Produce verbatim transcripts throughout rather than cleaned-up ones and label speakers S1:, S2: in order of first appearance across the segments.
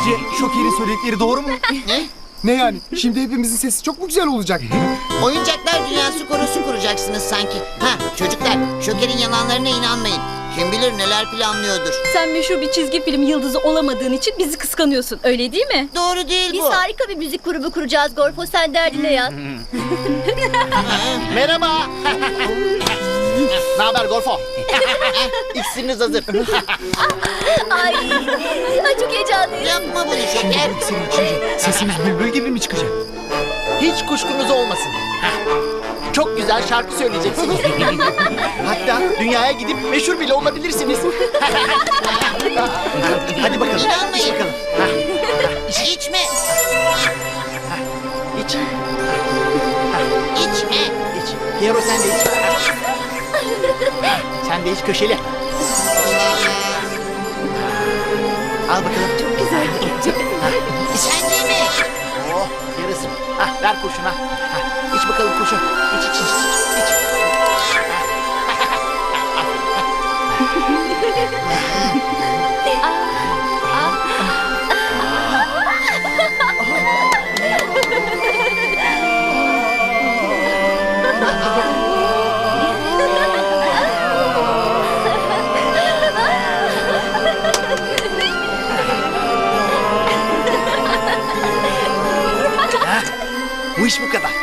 S1: Sizce Şoker'in söyledikleri doğru mu?
S2: Ne?
S3: Ne yani? Şimdi hepimizin sesi çok mu güzel olacak?
S2: Oyuncaklar dünyası korosu kuracaksınız sanki. Ha çocuklar, Şoker'in yalanlarına inanmayın. Kim bilir neler planlıyordur.
S4: Sen meşhur bir çizgi film yıldızı olamadığın için bizi kıskanıyorsun. Öyle değil mi?
S2: Doğru değil
S5: Biz
S2: bu.
S5: harika bir müzik grubu kuracağız Gorfo, sen derdine yaz.
S6: Merhaba. Ne haber Gorfo? İksiriniz hazır.
S5: Ay, ay çok heyecanlıyım.
S2: Yapma bunu Şoker.
S3: Senin içince sesimiz bülbül gibi mi çıkacak?
S6: Hiç kuşkunuz olmasın. Çok güzel şarkı söyleyeceksiniz. Hatta dünyaya gidip meşhur bile olabilirsiniz. Hadi bakalım.
S2: İnanmayın.
S6: İç bakalım.
S2: İçme.
S6: İç.
S2: İçme.
S6: İç. Piero sen de iç. Sen de iç köşeli. Al bakalım. Çok güzel.
S2: Sen de mi?
S6: Oh yarısı. Hah, ver kurşuna. Hah, iç bakalım kurşun. İç iç iç. iç. iç. Bu iş bu kadar.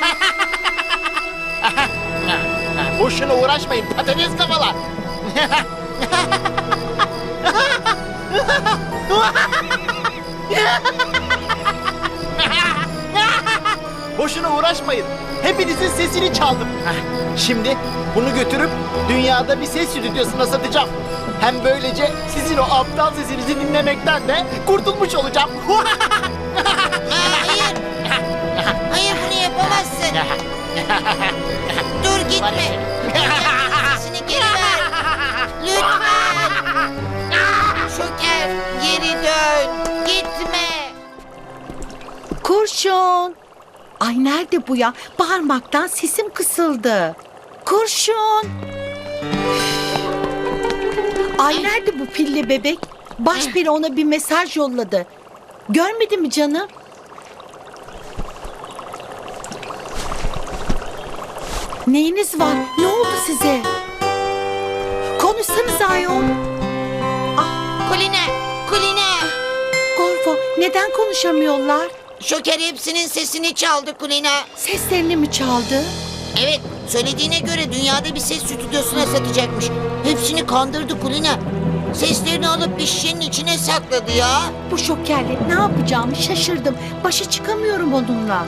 S6: Boşuna uğraşmayın patates kafalar. Boşuna uğraşmayın. Hepinizin sesini çaldım. Şimdi bunu götürüp dünyada bir ses stüdyosuna satacağım. Hem böylece sizin o aptal sesinizi dinlemekten de kurtulmuş olacağım.
S2: Aa, hayır. Hayır bunu yapamazsın. Dur gitme. Sesini geri ver. Lütfen. Şoker geri dön. Gitme.
S7: Kurşun. Ay nerede bu ya? Bağırmaktan sesim kısıldı. Kurşun. Ay nerede bu pilli bebek? Başperi ona bir mesaj yolladı. Görmedi mi canım? Neyiniz var? Ne oldu size? Konuşsanız ayol.
S2: Kuline. Kuline.
S7: Gorfo neden konuşamıyorlar?
S2: Şoker hepsinin sesini çaldı Kulina.
S7: Seslerini mi çaldı?
S2: Evet, söylediğine göre dünyada bir ses stüdyosuna satacakmış. Hepsini kandırdı Kulina. Seslerini alıp bir şişenin içine sakladı ya.
S7: Bu şokerle ne yapacağımı şaşırdım. Başa çıkamıyorum onunla.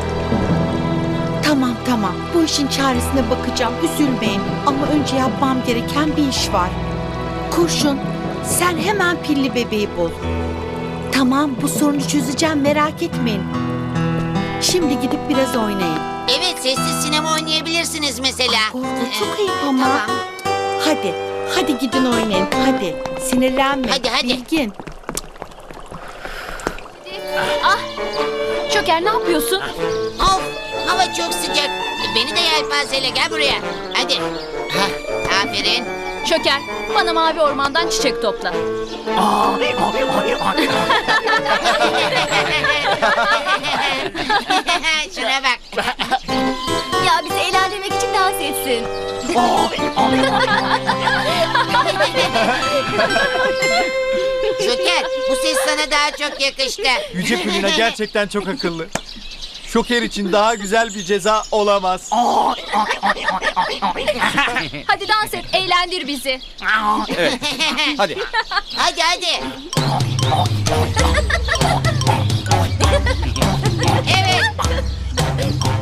S7: Tamam tamam. Bu işin çaresine bakacağım. Üzülmeyin. Ama önce yapmam gereken bir iş var. Kurşun, sen hemen pilli bebeği bul. Tamam, bu sorunu çözeceğim. Merak etmeyin. Şimdi gidip biraz oynayın.
S2: Evet, sessiz sinema oynayabilirsiniz mesela.
S7: Ah, Gorfo, çok ayıp ama.
S2: Tamam.
S7: Hadi, hadi gidin oynayın. Hadi, sinirlenme.
S2: Hadi, hadi.
S7: Bilgin.
S4: Ah! Şoker ne yapıyorsun?
S2: Of, hava çok sıcak. Beni de yelpazeyle gel buraya. Hadi. Hah, aferin.
S4: Şoker, bana mavi ormandan çiçek topla.
S2: Şuna bak.
S5: Ya bizi eğlendirmek için dans etsin.
S2: Şoker, bu ses sana daha çok yakıştı.
S1: Yüce Kulina gerçekten çok akıllı. Şoker için daha güzel bir ceza olamaz.
S4: Hadi dans et, eğlendir bizi.
S1: Evet. Hadi.
S2: Hadi hadi. Evet.